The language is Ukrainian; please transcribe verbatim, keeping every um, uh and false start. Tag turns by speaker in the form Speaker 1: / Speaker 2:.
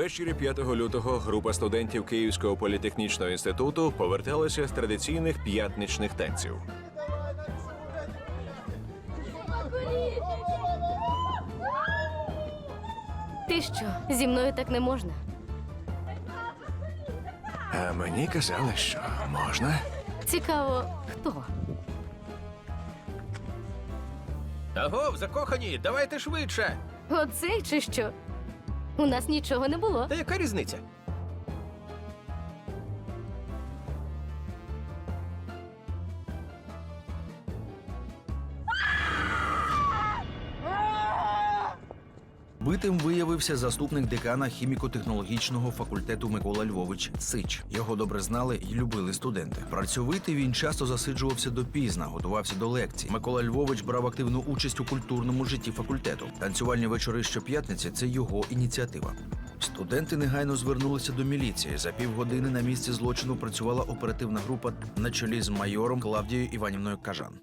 Speaker 1: Ввечері п'ятого лютого група студентів Київського політехнічного інституту поверталася з традиційних п'ятничних танців.
Speaker 2: Ти що, зі мною так не можна?
Speaker 1: А мені казали, що можна.
Speaker 2: Цікаво, хто?
Speaker 3: Агов, закохані, давайте швидше.
Speaker 2: Оцей чи що? У нас нічого не було.
Speaker 3: Та яка різниця?
Speaker 4: Битим виявився заступник декана хіміко-технологічного факультету Микола Львович Сич. Його добре знали і любили студенти. Працьовитий він часто засиджувався допізна, готувався до лекцій. Микола Львович брав активну участь у культурному житті факультету. Танцювальні вечори щоп'ятниці – це його ініціатива. Студенти негайно звернулися до міліції. За півгодини на місці злочину працювала оперативна група на чолі з майором Клавдією Іванівною Кажан.